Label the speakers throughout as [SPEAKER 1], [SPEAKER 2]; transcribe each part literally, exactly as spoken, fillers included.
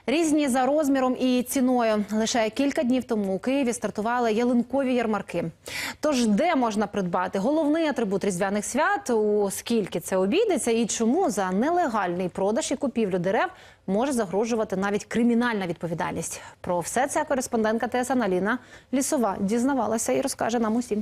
[SPEAKER 1] Різні за розміром і ціною. Лише кілька днів тому у Києві стартували ялинкові ярмарки. Тож де можна придбати головний атрибут різдвяних свят, у скільки це обійдеться і чому за нелегальний продаж і купівлю дерев може загрожувати навіть кримінальна відповідальність? Про все це кореспондентка Т С Н Аліна Лісова дізнавалася і розкаже нам усім.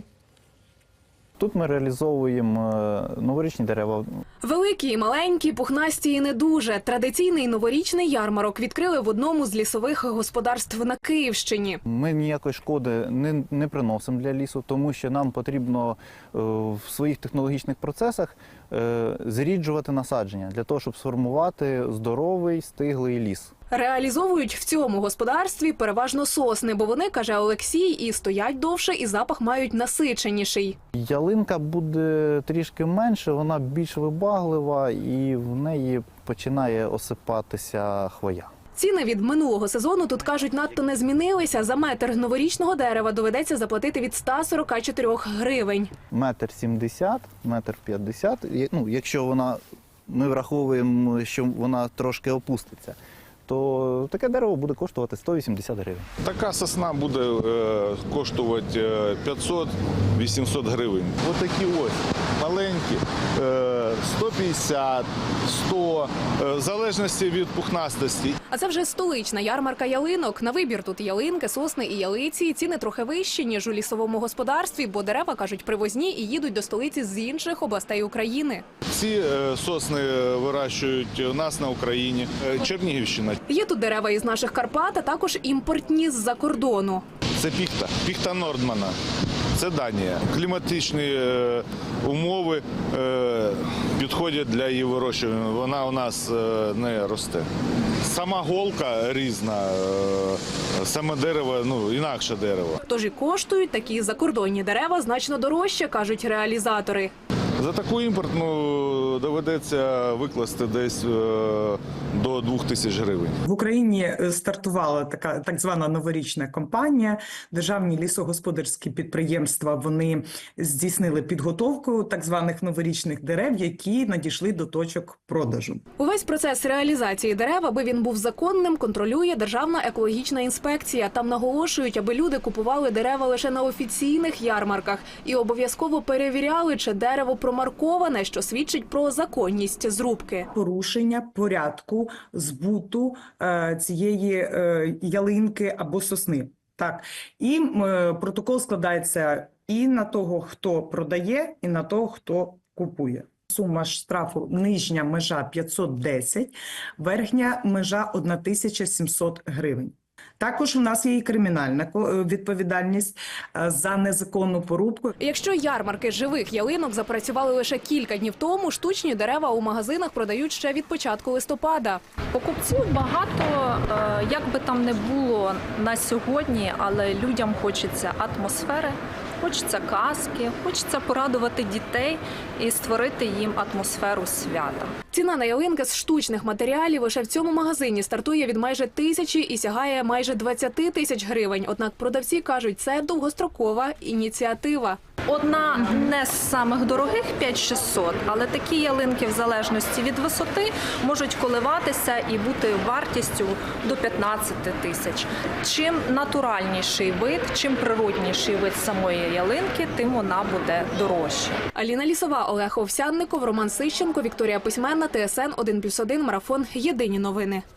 [SPEAKER 2] Тут ми реалізовуємо новорічні дерева.
[SPEAKER 3] Великі і маленькі, пухнасті і не дуже. Традиційний новорічний ярмарок відкрили в одному з лісових господарств на Київщині.
[SPEAKER 2] Ми ніякої шкоди не, не приносимо для лісу, тому що нам потрібно е, в своїх технологічних процесах е, зріджувати насадження для того, щоб сформувати здоровий, стиглий ліс.
[SPEAKER 3] Реалізовують в цьому господарстві переважно сосни, бо вони, каже Олексій, і стоять довше, і запах мають насиченіший.
[SPEAKER 2] Ялинка буде трішки менше, вона більш вибаглива і в неї починає осипатися хвоя.
[SPEAKER 3] Ціни від минулого сезону, тут кажуть, надто не змінилися. За метр новорічного дерева доведеться заплатити від ста сорока чотирьох гривень.
[SPEAKER 2] Метр сімдесят, метр п'ятдесят, ну, якщо вона, ми враховуємо, що вона трошки опуститься, то таке дерево буде коштувати сто вісімдесят гривень.
[SPEAKER 4] Така сосна буде е, коштувати п'ятсот-вісімсот гривень. Ось такі ось маленькі, е, сто п'ятдесят, сто, е, в залежності від пухнастості.
[SPEAKER 3] А це вже столична ярмарка ялинок. На вибір тут ялинки, сосни і ялиці. Ціни трохи вищі, ніж у лісовому господарстві, бо дерева, кажуть, привозні і їдуть до столиці з інших областей України.
[SPEAKER 4] Ці е, сосни вирощують у нас на Україні, е, Чернігівщина.
[SPEAKER 3] Є тут дерева із наших Карпат, а також імпортні з-за кордону.
[SPEAKER 4] Це піхта, піхта Нордмана. Це Данія. Кліматичні е, умови е, підходять для її вирощування. Вона у нас е, не росте. Сама голка різна, е, саме дерево, ну, інакше дерево.
[SPEAKER 3] Тож і коштують такі закордонні дерева значно дорожче, кажуть реалізатори.
[SPEAKER 4] За таку імпортну доведеться викласти десь е, до двох тисяч гривень.
[SPEAKER 5] В Україні стартувала така так звана новорічна кампанія. Державні лісогосподарські підприємства, вони здійснили підготовку так званих новорічних дерев, які надійшли до точок продажу.
[SPEAKER 3] Увесь процес реалізації дерев, аби він був законним, контролює Державна екологічна інспекція. Там наголошують, аби люди купували дерева лише на офіційних ярмарках і обов'язково перевіряли, чи дерево промарковане, що свідчить про законність зрубки.
[SPEAKER 5] Порушення порядку збуту е, цієї е, ялинки або сосни. Так. І е, протокол складається і на того, хто продає, і на того, хто купує. Сума штрафу нижня межа п'ятсот десять, верхня межа тисяча сімсот гривень. Також у нас є і кримінальна відповідальність за незаконну порубку.
[SPEAKER 3] Якщо ярмарки живих ялинок запрацювали лише кілька днів тому, штучні дерева у магазинах продають ще від початку листопада.
[SPEAKER 6] Покупців багато, як би там не було на сьогодні, але людям хочеться атмосфери, хочеться казки, хочеться порадувати дітей і створити їм атмосферу свята.
[SPEAKER 3] Ціна на ялинки з штучних матеріалів лише в цьому магазині стартує від майже тисячі і сягає майже двадцяти тисяч гривень. Однак продавці кажуть, це довгострокова ініціатива.
[SPEAKER 6] Одна не з самих дорогих – п'ять шістсот, але такі ялинки в залежності від висоти можуть коливатися і бути вартістю до п'ятнадцяти тисяч. Чим натуральніший вид, чим природніший вид самої ялинки, тим вона буде дорожча.
[SPEAKER 3] Аліна Лісова, Олег Овсянников, Роман Сищенко, Вікторія Письменна, Т С Н один плюс один, Марафон. Єдині новини.